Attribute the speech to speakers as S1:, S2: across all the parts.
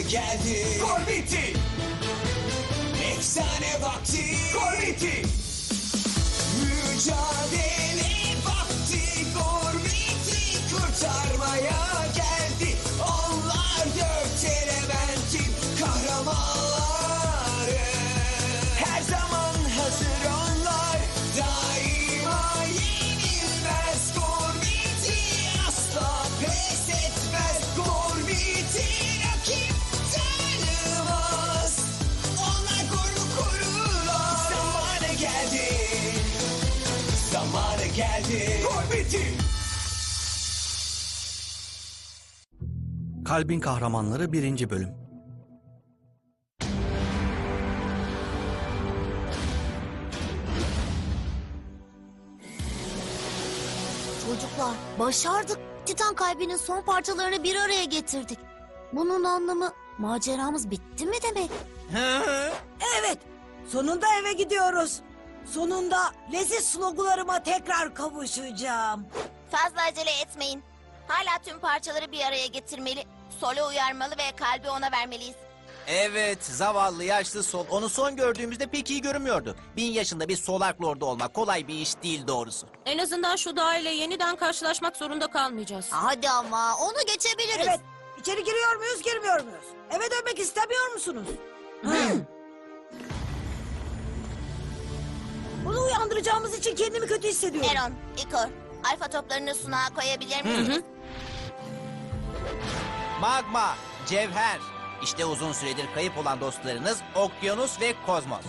S1: geldi. Gol bitti. Efsane vakti. Gol bitti. Mücadele vakti. Gol bitti. Kurtarmaya geldi. Onlar dört elementin kahramanları. Her zaman hazır onlar. Daima yenilmez. Gol bitti. Asla pes etmez. Gol bitti. Rakip tanımaz. Onlar golü korurlar. Zamanı geldi. Zamanı geldi. Gol bitti.
S2: Kalbin Kahramanları 1. Bölüm.
S3: Çocuklar, başardık. Titan kalbinin son parçalarını bir araya getirdik. Bunun anlamı maceramız bitti mi demek?
S4: Evet, sonunda eve gidiyoruz. Sonunda leziz slogularıma tekrar kavuşacağım.
S5: Fazla acele etmeyin. Hala tüm parçaları bir araya getirmeli. Sol'u uyarmalı ve kalbi ona vermeliyiz.
S6: Evet, zavallı yaşlı Sol. Onu son gördüğümüzde pek iyi görünmüyordu. 1000 yaşında bir Solak Lord'u olmak kolay bir iş değil doğrusu.
S7: En azından şu dağ ile yeniden karşılaşmak zorunda kalmayacağız.
S3: Hadi ama onu geçebiliriz.
S4: Evet, içeri giriyor muyuz, girmiyor muyuz? Eve dönmek istemiyor musunuz? Bunu uyandıracağımız için kendimi kötü hissediyorum.
S5: Eron, Ikor, alfa toplarını sunağa koyabilir misiniz?
S6: Magma, Cevher. İşte uzun süredir kayıp olan dostlarınız Okyanus ve Kozmos.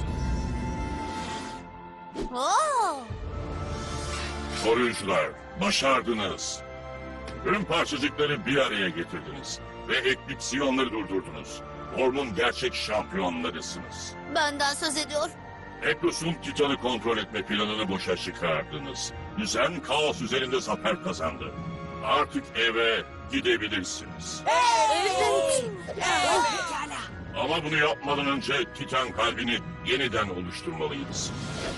S3: Oo!
S8: Koruyucular, başardınız. Tüm parçacıkları bir araya getirdiniz. Ve eklipsiyonları durdurdunuz. Formun gerçek şampiyonlarısınız.
S3: Benden söz ediyor.
S8: Eklos'un Titan'ı kontrol etme planını boşa çıkardınız. Düzen kaos üzerinde zafer kazandı. Artık eve gidebilirsiniz.
S4: Evet. Pekala.
S8: Ama bunu yapmadan önce Titan kalbini yeniden oluşturmalıyız.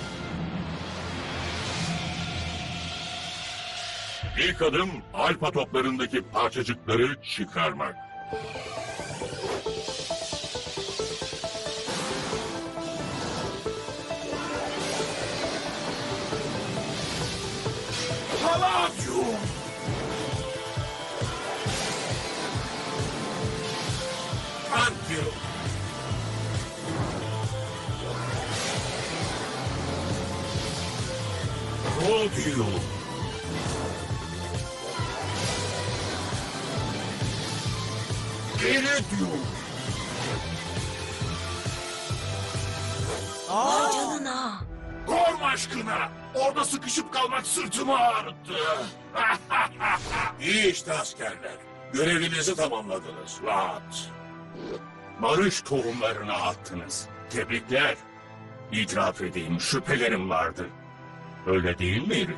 S8: İlk adım alfa toplarındaki parçacıkları çıkarmak. Palladium! Antium! Rhodium! Iridium!
S4: Vay canına.
S8: Gorm aşkına! Orada sıkışıp kalmak sırtımı ağrıttı. İyi işte askerler. Görevinizi tamamladınız. Rahat. Barış tohumlarını attınız. Tebrikler. İtiraf edeyim, şüphelerim vardı. Öyle değil miydi?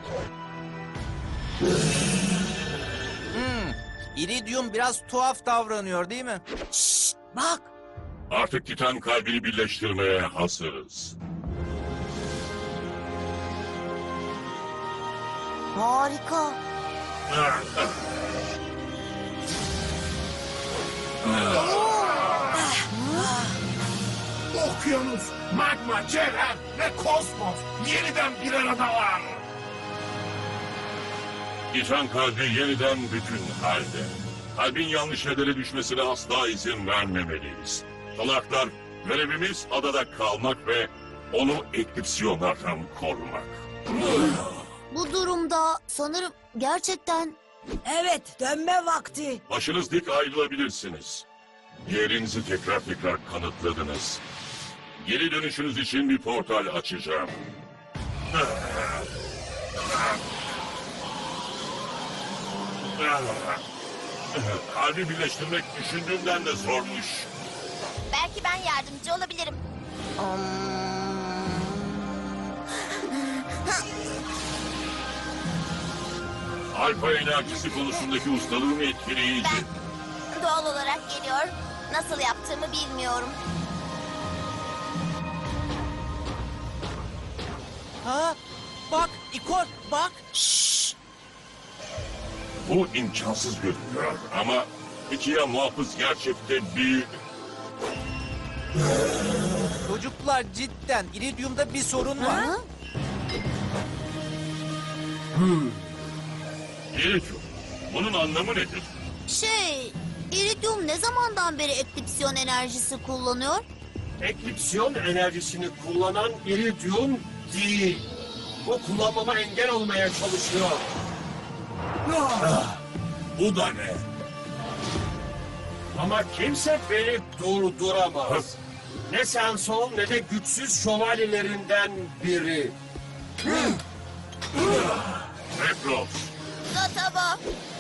S6: İridium biraz tuhaf davranıyor değil mi?
S4: Bak,
S8: Artık Titan kalbini birleştirmeye hazırız.
S3: Harika.
S8: Okyanus, magma, cevher ve kosmos yeniden bir aradalar. Titan kalbi yeniden bütün halde. Kalbin yanlış yerlere düşmesine asla izin vermemeliyiz. Salaklar, görevimiz adada kalmak ve onu eklipsiyonlardan korumak.
S3: Bu durumda sanırım gerçekten...
S4: evet, dönme vakti.
S8: Başınız dik ayrılabilirsiniz. Yerinizi tekrar kanıtladınız. Geri dönüşünüz için bir portal açacağım. Kalbi birleştirmek düşündüğümden de zormuş.
S5: Belki ben yardımcı olabilirim.
S8: Alfa enerjisi konusundaki ustalığım etkileyici.
S5: Doğal olarak geliyor. Nasıl yaptığımı bilmiyorum.
S6: Ha? Bak İkor bak.
S8: Bu imkansız görünüyor ama peki ya muhafız gerçekte büyük...
S6: Çocuklar cidden iridiumda bir sorun var.
S3: Ha?
S8: İridium. Bunun anlamı nedir?
S3: İridium ne zamandan beri eklipsiyon enerjisi kullanıyor?
S9: Eklipsiyon enerjisini kullanan iridium değil. Bu kullanmama engel olmaya çalışıyor.
S1: Bu da ne?
S9: Ama kimse beni durduramaz. Ne Sensol ne de güçsüz şövalyelerinden biri.
S8: Reklos.
S5: Gataba.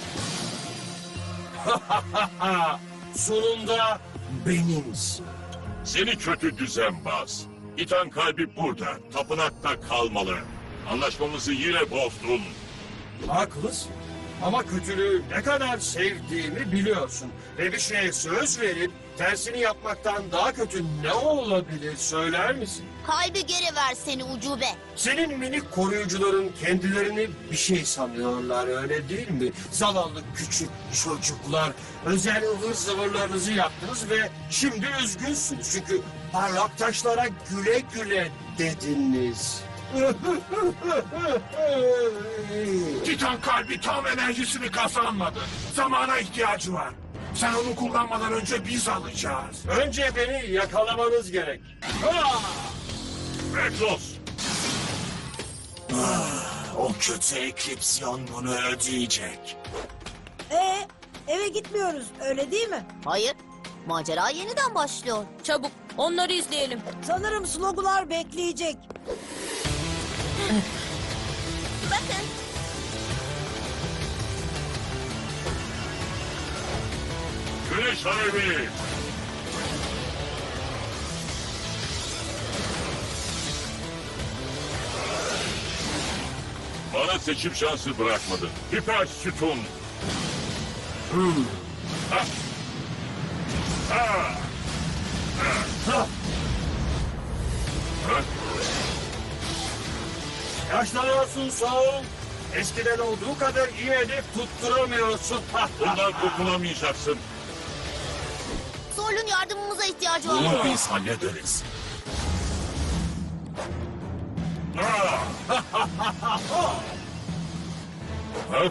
S9: Sonunda benimsin.
S8: Seni kötü düzenbaz. Titan kalbi burada. Tapınakta kalmalı. Anlaşmamızı yine bozdun.
S9: Haklısın. Ama kötülüğü ne kadar sevdiğimi biliyorsun. Ve bir şeye söz verip tersini yapmaktan daha kötü ne olabilir söyler misin?
S3: Kalbi geri ver seni ucube.
S9: Senin minik koruyucuların kendilerini bir şey sanıyorlar öyle değil mi? Zavallı küçük çocuklar. Özel ıvır zıvırlarınızı yaptınız ve şimdi üzgünsünüz. Çünkü parlak taşlara güle güle dediniz.
S1: Titan kalbi tam enerjisini kazanmadı. Zamana ihtiyacı var. Sen onu kullanmadan önce biz alacağız.
S9: Önce beni yakalamanız gerek.
S8: Reklos.
S1: O kötü eklipsiyon bunu ödeyecek.
S4: Eve gitmiyoruz öyle değil mi?
S3: Hayır. Macera yeniden başlıyor.
S7: Çabuk onları izleyelim.
S4: Sanırım slogular bekleyecek.
S5: Bakın.
S8: Güneş alevi. Bana seçim şansı bırakmadın. Hiper sütun. Ha. Ha. Ha. Ha.
S9: Yaşlanıyorsun Saul. Eskiden olduğu kadar iyi hedef tutturamıyorsun.
S8: Bundan kurtulamayacaksın.
S3: Sol'un yardımımıza ihtiyacı var.
S1: Bunu biz hallederiz.
S8: Ha. Ha.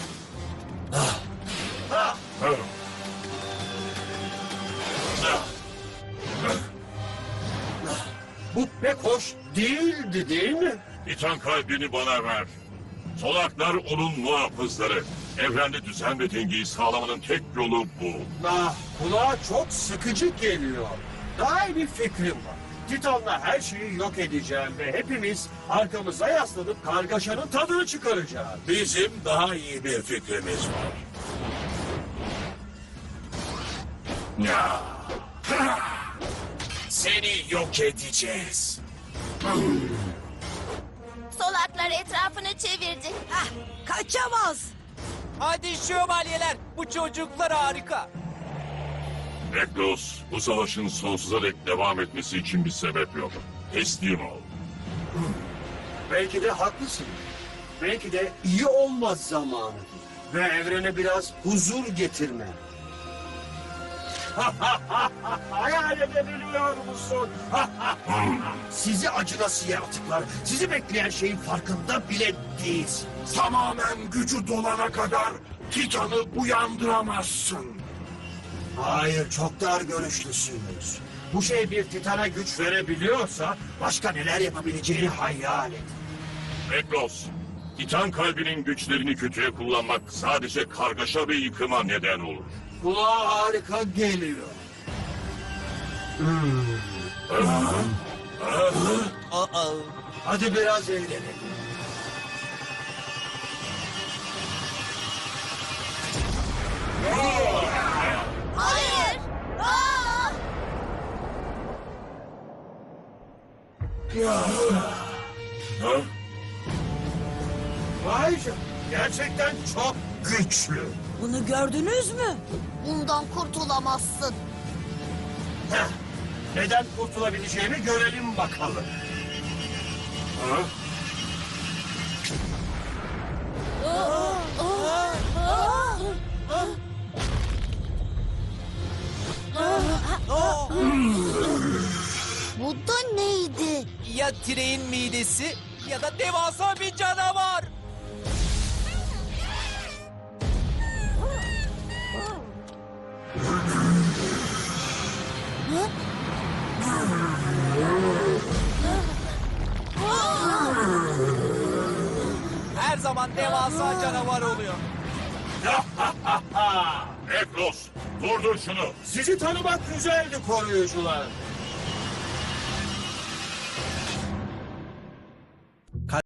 S8: Ha.
S9: Bu pek hoş değildi değil mi?
S8: Titan kalbini bana ver. Solaklar onun muhafızları. Evrende düzen ve dengeyi sağlamanın tek yolu bu.
S9: Kulağa çok sıkıcı geliyor. Daha iyi bir fikrim var. Titan'la her şeyi yok edeceğim ve hepimiz arkamıza yaslanıp kargaşanın tadını çıkaracağız.
S1: Bizim daha iyi bir fikrimiz var. Ya. Seni yok edeceğiz.
S5: Solaklar etrafını çevirdi.
S4: Kaçamaz.
S6: Hadi şövalyeler, bu çocuklar harika.
S8: Reklos, bu savaşın sonsuza dek devam etmesi için bir sebep yok. Teslim ol.
S9: Belki de haklısın. Belki de iyi olmaz zamanı. Ve evrene biraz huzur getirme. Hayal edebiliyor musun? Sizi acınası yaratıklar. Sizi bekleyen şeyin farkında bile değilsin.
S1: Tamamen gücü dolana kadar Titan'ı uyandıramazsın.
S9: Hayır, çok dar görüşlüsünüz. Bu şey bir Titan'a güç verebiliyorsa başka neler yapabileceğini hayal et.
S8: Reklos, Titan kalbinin güçlerini kötüye kullanmak sadece kargaşa ve yıkıma neden olur.
S9: Kulağa harika geliyor.
S6: Aa,
S9: Hadi biraz eğlenelim.
S5: Hayır. Aa!
S8: Ha?
S9: Vay canına, gerçekten çok güçlü.
S4: Bunu gördünüz mü?
S3: Bundan kurtulamazsın.
S9: Heh, neden kurtulabileceğimi görelim bakalım.
S8: Ha?
S6: Ya Tirey'in midesi ya da devasa bir canavar. Her zaman devasa canavar oluyor.
S8: Eklos, durdur şunu.
S9: Sizi tanımak güzeldi koruyucular.